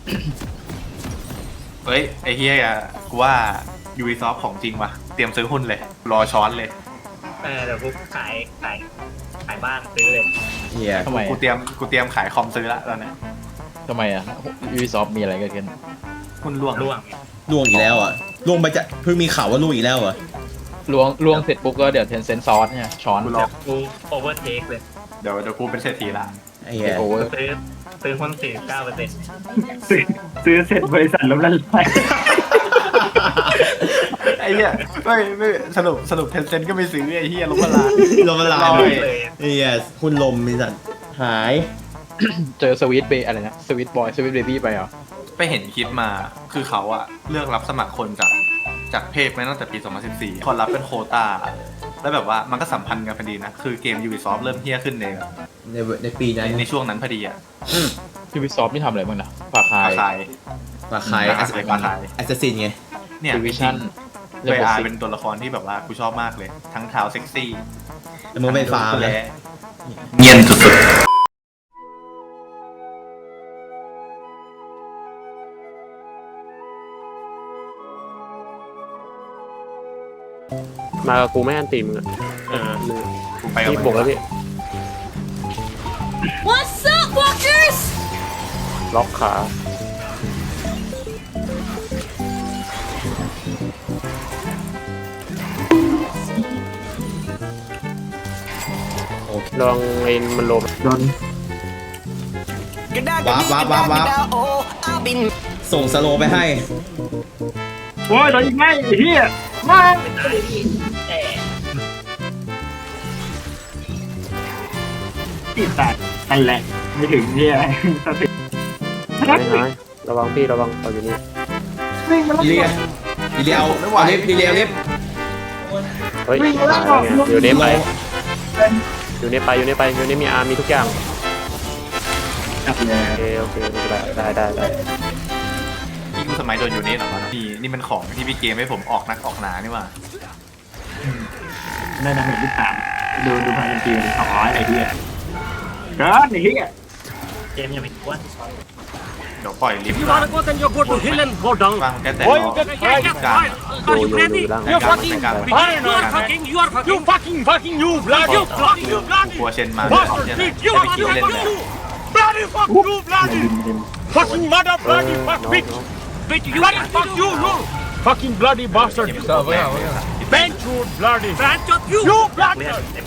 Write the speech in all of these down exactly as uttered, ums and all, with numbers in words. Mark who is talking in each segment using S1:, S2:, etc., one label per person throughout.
S1: เฮ้ยไอ้เฮียกูว่า Ubisoft ของจริงว่ะเตรียมซื้อหุ้นเลยรอช้อนเลย
S2: เออเดี๋ยวกูขายขายขายบ้านซื้อเลย
S3: เฮีย
S4: ทำไม
S1: กูเตรียมกูเตรียมขายคอมซื้อละตอนนี้
S4: ทำไมอ่ะ Ubisoft มีอะไรเกิดขึ้น
S1: หุ้นร่วง
S2: ร่วง
S3: ล่วงอีกแล้วอ่ะล่วงไปจะเพิ่งมีข่าวว่าล่วงอีกแล้วอ่ะ
S4: ลวงลวงเสร็จปุ๊บก็เดี๋ยว Tencent ซอสเนี่ยช้อน
S1: กูรอ
S2: กูโอเวอร์เทคเลย
S1: เดี๋ยวเดี๋ยวกูเป็นเศรษฐีละ
S3: ไอ้เฮีย
S4: โอเวอร์
S2: ซื้อซื้อหุ้นสี่สิบเก้าเปอร์เซ็นต์
S5: ซื้อซื้อเสร็จบริษัทล้มละลาย
S1: ไอ้เหี้ยไม่ไม่สรุปสรุปเทนเซ็นก็ไม่ซื้อไอ้เหี้ยลงมาลา
S3: ลมละลาย
S1: ลอย
S3: เลยไอ้เฮียคุณลมมีสัตว์หาย
S4: เจอสวิตเบย์อะไรนะสวิตบอยสวิตเบบี้ไปเหรอ
S1: ไปเห็นคลิปมาคือเขาอะเลือกรับสมัครคนจากจากเพจมาตั้งแต่ปี สองพันสิบสี่ คนรับเป็นโควต้าแล้วแบบว่ามันก็สัมพันธ์กันพอดีนะ คือเกม Ubisoft เริ่มเฮี้ยขึ้นใน
S3: ในในปี
S1: ใน
S3: นั้น
S1: ในช่วงนั้นพอดีอะ
S4: Ubisoft นี่ทำอะไรบ้างนะฝากคา
S1: ขาย ยขาย
S3: ราคาย
S1: ราคายราคาย
S3: แอสซัสซินไง
S1: เนี่ย
S4: Division
S1: เวอาเป็นตัวละครที่แบบว่ากูชอบมากเลย ทั้งเท้าเซ็กซี่
S3: แต่มึงเป็นฟาร์ม
S1: แล
S3: นะ
S1: เงียนสุดๆ
S6: มากับกูไม่อันตีมึงอะ
S1: เออกูไปกับ
S6: พี่
S1: มัน
S6: บวกแล้วพี่
S7: What's up, walkers?
S6: ล็อกขา
S3: โอเค
S6: ลองไอ้มันโลม
S5: โดน
S3: วาร์ปวาร์ปวาร์ปวาร์ปส่งสโลว์ไปให้
S5: โอ้ยโดนยิงไม่ไอ้เหี้ยมา
S2: ไม่ตายพี่แต่
S5: ติดตัดนั่นแหละไม่ถึงเหี้ยสติ
S6: หายหายระวังพี่ระวังเอาอยู่นี่
S5: วิ่งมาแล้ว
S3: อีเลียอีเลียเอาเอาลิฟต์อีเลียเอาลิฟต์
S6: เฮ้ยตายแล้วไงอยู่นี่ไปอยู่นี่ไปอยู่นี่ไปอยู่นี่มีอาร์มีทุกอย่าง
S5: จับเลย
S6: โอเคโอเคได้ได้ได้ได้
S1: ที่กูสมัยโดนอยู่นี่เหรอวะนี่นี่มันของที่พี่เกมให้ผมออกนักออกหนานี่หว่า
S5: ได้ดาเมจที่สามดูดูพันเป็นปีเป็นสองร้อยไอ้เหี้ยเกินไอ้เหี้ย
S2: เกมยังไม่กวน
S1: เดี๋ยวปล่อยลิฟต์
S8: You wanna go, then you go to hill and go down.
S1: วางแค่แต่
S8: Boy,
S1: ร
S8: you
S1: อ
S8: get
S1: กลาง
S8: yeah, yeah,
S1: กลาง
S8: fine.
S6: โย
S8: Are you
S6: โย่อยู่
S8: ready?
S6: ล่าง
S8: You're fucking.
S1: กลาง
S8: Fine, you are fucking. You are fucking. You fucking, fucking, you bloody. You bloody, you
S1: กู
S8: bloody.
S1: กลัวเชนมา
S8: Bastard,
S1: เนี่ย
S8: bitch,
S1: นะ
S8: you
S1: จะ
S8: are
S1: ไปคิวเล่น
S8: fucking
S1: เลย
S8: you. Bloody fuck you, bloody. Fucking mother, bloody fuck, bitch. Bitch, you bloody fuck you, you. Fucking bloody bastard.
S1: แม่ง
S8: Bench you, bloody. Bench up you. You
S2: เลือด
S8: bloody.
S2: เต็ม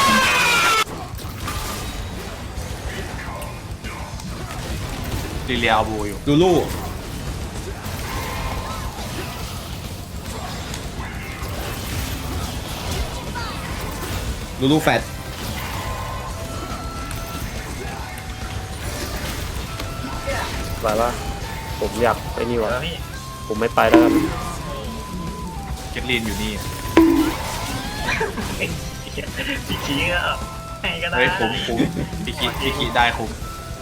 S1: ลีเลียเอาบูอยู่
S3: ลูลูลูลูแฟต
S6: ไปว่าผมอยากไอ้นี่วะ
S2: แล้วพี่
S6: ผมไม่ไปแล้วครับ
S1: เก็ตลีนอยู่นี่
S2: พี่ชี้ก็ให้ก็ได้
S1: เฮ้ยคุ้มคุ้มพี่คิพี่คิได้คุ้ม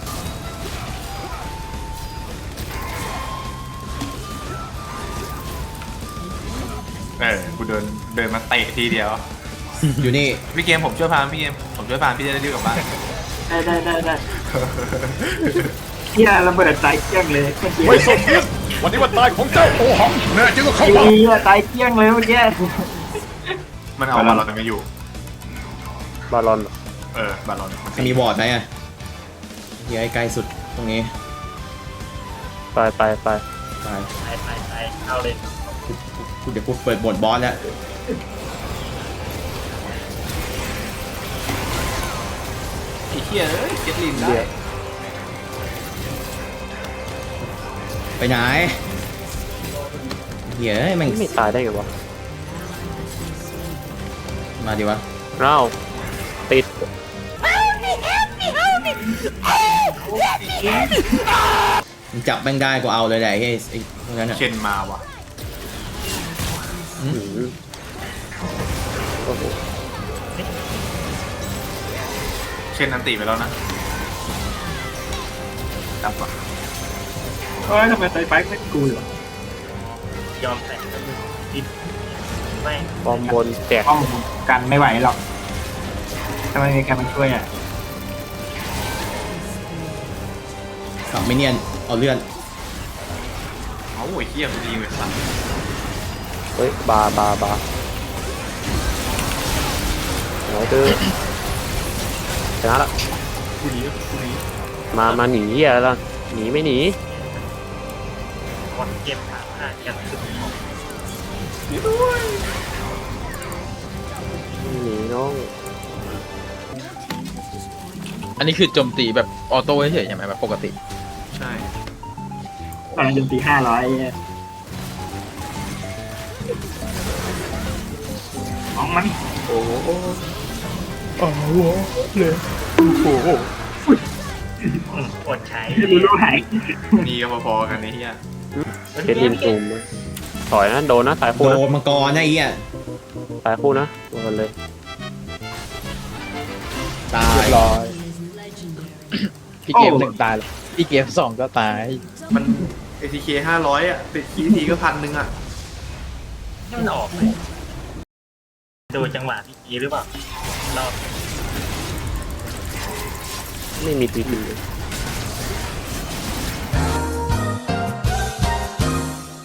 S1: เออกูเดินเดินมาเตะทีเดียว
S3: อยู่นี่
S1: พี่เกมผมช่วยพามพี่เกมผมช่วยพามพี่จะได้รีบกลับบ้าน
S5: ได้ได้ได้ได้เหี้ยระเบิดตายเกลี้ยงเลยเมื่อกี้
S8: ไม่สมเกียรติวันนี้วันตายของเจ้าโอหังแน่จริงก็เข้ามา
S5: เหี้ยตายเกลี้ยงเลยเมื่อกี้
S1: มันเอาบาลอนไม่อยู่
S6: บาลอนเหรอ
S1: เออบาลอนมัน
S3: มีบอร์ดไหมอ่ะเฮียไอ้ใกล้สุดตรงนี้
S6: ไปไปไป
S3: ไป
S2: ไปไปไปเอาเลย
S3: กูเดี๋ยวกูเปิดบทบอสแล้ว
S1: ไอ้เหี้ยเอ้ยเก็ตลีนได้
S3: ไปไหนเฮียเอ้ยแมัน
S6: ไม่ตายได้ไงวะ
S3: มาดิวะ
S6: เอ้าติด
S3: มันจับแม่งได้กูเอาเลยแหละไอ้ไอ้พวกนั้นอ่ะ
S1: เชนมาว่ะ
S6: หือโอ้โห
S1: เชนอันติไปแล้วนะจับว่ะ
S5: เฮ้ยทำไมไซไฟไม่กูอยู่
S2: ยอมแต่งแล้วมึงผิดไม่
S6: บอมบนแจก
S5: ป้องกันไม่ไหวหรอกทำไมมีใครมาช่วยอ่ะ
S3: ขับไม่เนียนเอาเลื่อน
S1: เอาโอ้ยเฮียกูดีไปสัตว์
S6: เฮ้ยบาบาบาไหนตื้อชนะละ
S1: กูหนีกูหนี
S6: มามาหนีเหี้ยแล้วหนีไม่หนี
S2: คนเก็บขาผ้ากันสุดของ
S1: หนีด้วย
S6: ไม่หนีน้อง
S4: อันนี้คือโจมตีแบบออโต้เฉยๆใช่ไหมแบบปกติ
S1: ใช่
S5: ตอนนั้นจนตีห้าร้อยมองมัน
S1: โอ้โห
S2: อดใช้
S5: รู้รู้หาย
S1: นี่ก็พอๆกันไอ้เฮีย
S6: เคสลินซูมนะถอยนะโดนนะตายคู่
S3: โด
S6: นะ
S3: นมังกรนะไอ้เหี้ย
S6: ตายคู่นะโดนเลย
S3: ตา
S4: เรี
S3: ย
S4: ยบร้อยพี่เกมหนึ่งตายแล้วพี่เกมสองก็ตาย
S1: มัน เอ ที เค ห้าร้อยอ่ะติดคีย์ทีก็พันหนึ่งอ่ะ
S2: นี่มันออกเลยดูจังหวะพี่กีหรือเปล่ารอบ
S6: ไม่มีทีที